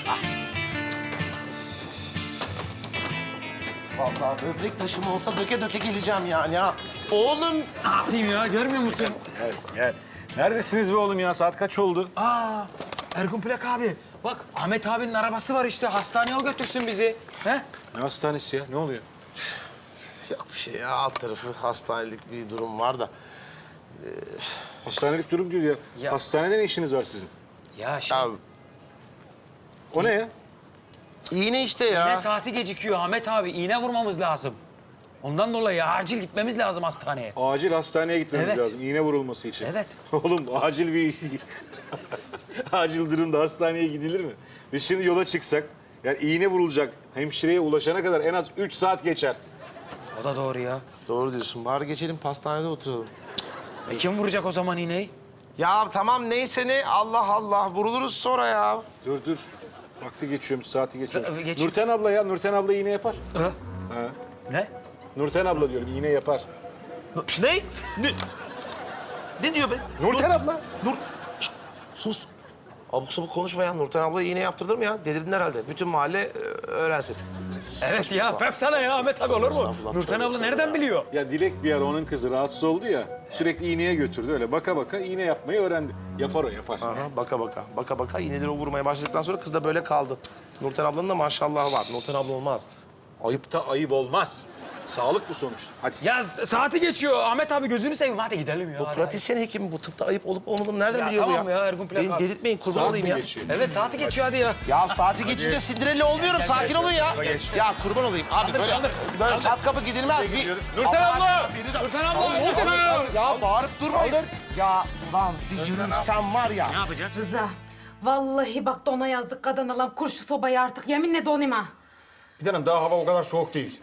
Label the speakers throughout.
Speaker 1: Vallahi böbrek taşım olsa döke döke geleceğim yani ha. Oğlum.
Speaker 2: Ne yapayım ya, görmüyor musun?
Speaker 3: Gel. Neredesiniz be oğlum ya? Saat kaç oldu?
Speaker 2: Ergun Plak abi. Bak, Ahmet abinin arabası var işte. Hastaneye o götürsün bizi. He?
Speaker 3: Ne hastanesi ya? Ne oluyor?
Speaker 1: Yok bir şey ya, alt tarafı hastanelik bir durum var da.
Speaker 3: Hastanelik durum diyor ya.
Speaker 2: Ya.
Speaker 3: Hastanede ne işiniz var sizin?
Speaker 2: Ya şimdi
Speaker 1: Ya
Speaker 3: O ne ya?
Speaker 1: iğne işte ya.
Speaker 2: iğne saati gecikiyor Ahmet abi. İğne vurmamız lazım. Ondan dolayı acil gitmemiz lazım hastaneye.
Speaker 3: Acil hastaneye gitmemiz
Speaker 2: Evet.
Speaker 3: lazım. İğne vurulması için.
Speaker 2: Evet.
Speaker 3: Oğlum acil bir... acil durumda hastaneye gidilir mi? Biz şimdi yola çıksak, yani iğne vurulacak hemşireye ulaşana kadar en az 3 saat geçer.
Speaker 2: O da doğru ya.
Speaker 1: Doğru diyorsun. Bari geçelim pastanede oturalım.
Speaker 2: Kim vuracak o zaman iğneyi?
Speaker 1: Ya tamam neyse ne. Allah Allah. Vuruluruz sonra ya.
Speaker 3: Dur. Vakti geçiyormuş, saati geçiyormuş.
Speaker 2: Geç.
Speaker 3: Nurten abla ya, Nurten abla iğne yapar.
Speaker 2: Ha?
Speaker 3: Ha.
Speaker 2: Ne?
Speaker 3: Nurten abla diyorum, iğne yapar.
Speaker 1: Ne? Ne diyor be?
Speaker 3: Nurten abla.
Speaker 1: Nur. Şşt, sus. Abuk sabuk konuşma ya. Nurten abla iğne yaptırdı mı ya? Delirdin herhalde. Bütün mahalle öğrensin.
Speaker 2: Evet ya, pep sana ya Ahmet abi, olur mu?
Speaker 1: Estağfurullah,
Speaker 2: Nurten
Speaker 1: tabii,
Speaker 2: abla
Speaker 1: tabii
Speaker 2: nereden
Speaker 1: ya.
Speaker 2: biliyor?
Speaker 3: Ya Dilek bir ara onun kızı rahatsız oldu ya, sürekli iğneye götürdü. Öyle baka baka iğne yapmayı öğrendi. Yapar o, yapar.
Speaker 1: Aha, baka baka iğneleri o vurmaya başladıktan sonra kız da böyle kaldı. Nurten ablanın da maşallahı var. Nurten abla olmaz.
Speaker 3: Ayıp da ayıp olmaz. Sağlık bu sonuçta. Hadi.
Speaker 2: Ya saati geçiyor Ahmet abi, gözünü seveyim, hadi gidelim ya.
Speaker 1: Bu
Speaker 2: hadi.
Speaker 1: pratisyen hekim bu tıpta ayıp olup olmadığını nereden
Speaker 2: Ya
Speaker 1: biliyor
Speaker 2: tamam
Speaker 1: bu
Speaker 2: ya, Ergun Plak
Speaker 1: Beni
Speaker 2: abi.
Speaker 1: delirtmeyin kurban
Speaker 3: Saat
Speaker 1: olayım
Speaker 3: mi
Speaker 1: ya.
Speaker 3: geçiyor?
Speaker 2: Evet, saati geçiyor hadi ya.
Speaker 1: Ya saati geçince Cinderella olmuyorum. Sakin olun ya. Ya kurban olayım. Abi böyle çat kapı gidilmez. Bir...
Speaker 3: Nurten
Speaker 1: Allah
Speaker 3: abla!
Speaker 1: aşkına biriniz-
Speaker 2: Nurten abla!
Speaker 1: Nurten abla! Ya bağırıp durmayın. Ya ulan bir yürürsem var ya.
Speaker 2: Ne yapacak?
Speaker 4: Rıza, vallahi bak dona yazdık kadın alam. Kur şu sobayı artık, yeminle donayım ha.
Speaker 5: Bir tanem daha hava o kadar soğuk değil.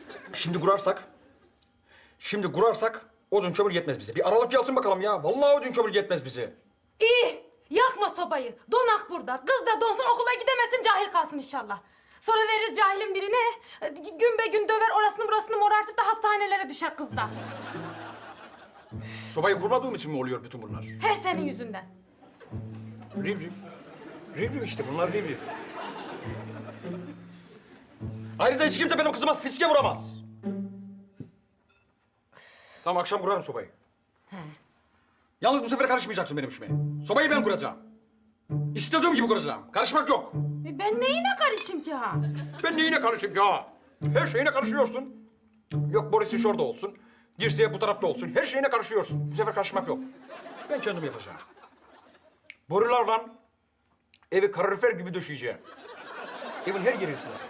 Speaker 5: Şimdi kurarsak odun kömür yetmez bize. Bir aralık gelsin bakalım ya. Vallahi odun kömür yetmez bize.
Speaker 4: İyi, yakma sobayı. Donak burada. Kız da donsun, okula gidemesin, cahil kalsın inşallah. Sonra veririz cahilin birine. Gün be gün döver, orasını burasını morartıp da hastanelere düşer kız da.
Speaker 5: Sobayı kurmadığım için mi oluyor bütün bunlar?
Speaker 4: He senin yüzünden.
Speaker 5: Riv riv. Riv riv işte bunlar riv riv. Ayrıca hiç kimse benim kızıma fiske vuramaz. Tamam akşam kurarım sobayı. Yalnız bu sefer karışmayacaksın benim işime. Sobayı ben kuracağım. İstediğim gibi kuracağım. Karışmak yok.
Speaker 4: Ben neyine karışayım ki ha?
Speaker 5: Ben neyine karışayım ya? Her şeyine karışıyorsun. Yok Boris'in şurada olsun. Dirseği bu tarafta olsun. Her şeyine karışıyorsun. Bu sefer karışmak yok. Ben kendim yapacağım. Borularla evi kalorifer gibi döşeyeceğim. Evin her yeri ısınacak.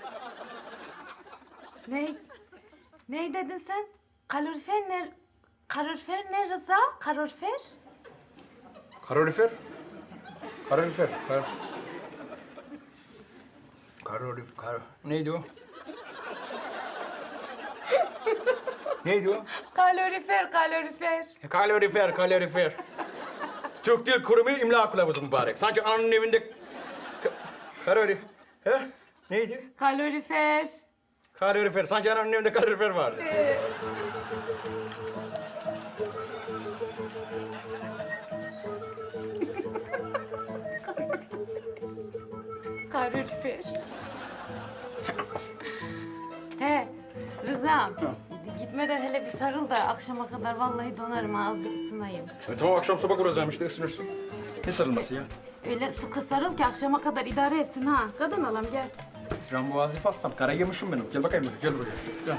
Speaker 4: Ney dedin sen? Kalorifer ne? Kalorifer ne Rıza? Kalorifer?
Speaker 5: Kalorifer? Kalorifer. Neydi o? Neydi o?
Speaker 4: Kalorifer.
Speaker 5: Kalorifer. Türk Dil Kurumu imla kılavuzu mübarek. Sanki ananın evinde... Kalorifer. He? Neydi?
Speaker 4: Kalorifer.
Speaker 5: Kalorifer. Sanki ananın evinde kalorifer vardı.
Speaker 4: Kalorifer. He, Rıza'm. Gitmeden hele bir sarıl da akşama kadar vallahi donarım ha, azıcık ısınayım.
Speaker 5: Tamam akşam soba kuracağım işte ısınırsın. Ne sarılması ya?
Speaker 4: Öyle sıkı sarıl ki akşama kadar idare etsin ha. Kadın alam gel.
Speaker 5: Frambuazlı pastam. Kara yemişim benim. Gel bakayım buraya. Gel buraya. Gel.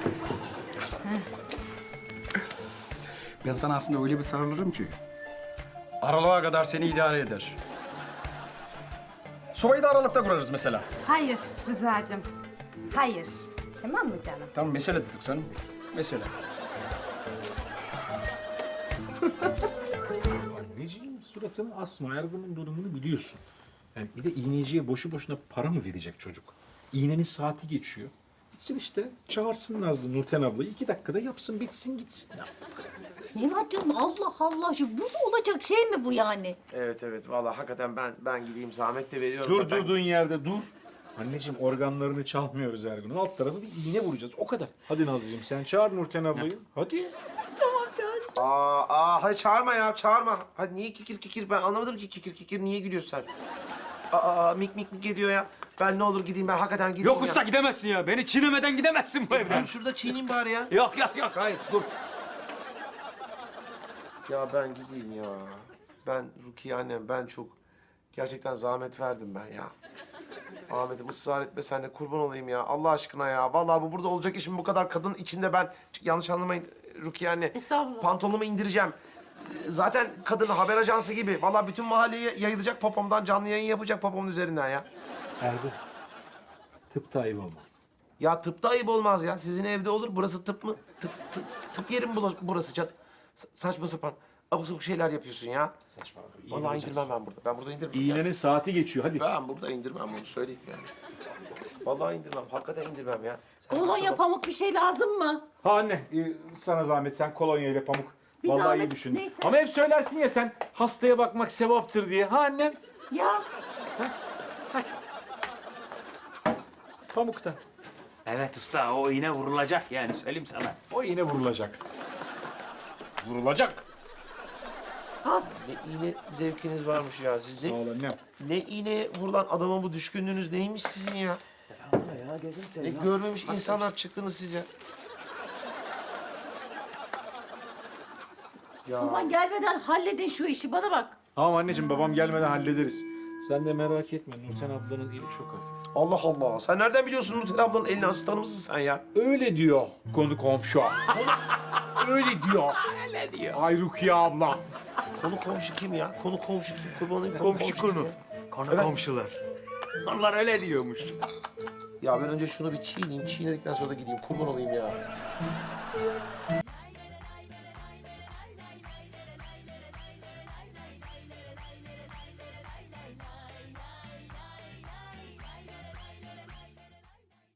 Speaker 5: Ben sana aslında öyle bir sarılırım ki... aralığa kadar seni idare eder. Sobayı da aralıkta kurarız mesela.
Speaker 4: Hayır Rıza'cığım. Hayır. Tamam mı canım?
Speaker 5: Tamam mesele dedik canım. Mesele.
Speaker 6: Anneciğim suratını asma. Ergun'un durumunu biliyorsun. Yani bir de iğneciye boşu boşuna para mı verecek çocuk? İğnenin saati geçiyor. Gitsin işte çağırsın Nazlı Nurten ablayı. 2 dakikada yapsın bitsin gitsin. Ya.
Speaker 7: Ne var canım Allah Allah. Şu burada olacak şey mi bu yani?
Speaker 1: Evet vallahi hakikaten ben gideyim zahmet de veriyorum.
Speaker 6: Dur
Speaker 1: zaten.
Speaker 6: durduğun yerde dur. Anneciğim organlarını çalmıyoruz Ergun'un. Alt tarafı bir iğne vuracağız. O kadar. Hadi Nazlıcığım sen çağır Nurten ablayı. Hadi.
Speaker 1: Hayır çağırma ya çağırma. Hadi niye kikir kikir ben anlamadım ki kikir kikir niye gülüyorsun sen? Mik mik ediyor ya. Ben ne olur gideyim, ben hakikaten gideyim
Speaker 2: Yok
Speaker 1: ya.
Speaker 2: usta gidemezsin ya. Beni çiğnemeden gidemezsin bu evden.
Speaker 1: Dur şurada çiğneyim bari ya.
Speaker 2: Yok hayır dur.
Speaker 1: Ya ben gideyim ya. Ben Rukiye annem, ben çok gerçekten zahmet verdim ben ya. Ahmet'im ısrar etme sen de, kurban olayım ya. Allah aşkına ya. Vallahi bu burada olacak iş mi? Bu kadar kadın içinde ben... Yanlış anlamayın Rukiye anne.
Speaker 7: Estağfurullah.
Speaker 1: Pantolonumu indireceğim. Zaten kadın haber ajansı gibi. Vallahi bütün mahalleye yayılacak popomdan, canlı yayın yapacak popomun üzerinden ya.
Speaker 6: Ergun, tıp da ayıp olmaz.
Speaker 1: Ya tıpta ayıp olmaz ya. Sizin evde olur. Burası tıp mı? Tıp yeri mi burası can? Saçma sapan. Abuk sabuk şeyler yapıyorsun ya.
Speaker 6: Saçmalama.
Speaker 1: Vallahi indirmem ben burada. Ben burada indirmem.
Speaker 3: İğnenin saati geçiyor hadi.
Speaker 1: Ben burada indirmem, bunu söyleyeyim yani. Vallahi indirmem. Hakikaten indirmem ya. Sen
Speaker 7: Kolonya, pamuk bir şey lazım mı?
Speaker 3: Ha anne sana zahmet sen kolonya ile pamuk.
Speaker 7: Bir
Speaker 3: Vallahi
Speaker 7: zahmet,
Speaker 3: iyi düşündün.
Speaker 7: neyse.
Speaker 3: Ama hep söylersin ya sen hastaya bakmak sevaptır diye. Ha annem?
Speaker 7: Ya
Speaker 3: Pamuk da.
Speaker 2: Evet usta o iğne vurulacak yani söyleyeyim sana.
Speaker 6: O iğne vurulacak.
Speaker 3: Vurulacak.
Speaker 1: Ne iğne zevkiniz varmış ya sizin.
Speaker 6: Sağ ol annem.
Speaker 1: Ne iğne vurulan adama bu düşkünlüğünüz neymiş sizin ya? Ne görmemiş insanlar çıktınız siz ya.
Speaker 7: baban gelmeden halledin şu işi, bana bak.
Speaker 3: Tamam anneciğim babam gelmeden hallederiz. Sen de merak etme Nurten ablanın eli çok hafif.
Speaker 1: Allah Allah. Sen nereden biliyorsun Nurten ablanın elini asistanı mısın sen ya?
Speaker 6: Öyle diyor konu komşu. Öyle diyor.
Speaker 2: Öyle diyor.
Speaker 6: Ay Rukiye abla.
Speaker 1: Konu komşu kim ya? Konu komşu kim? Kurban olayım,
Speaker 2: Komşu
Speaker 1: kim
Speaker 2: konu.
Speaker 1: ya?
Speaker 2: Konu
Speaker 1: Evet.
Speaker 2: komşular. Onlar öyle diyormuş.
Speaker 1: Ya ben önce şunu bir çiğneyim. Çiğnedikten sonra da gideyim. Kurban olayım ya.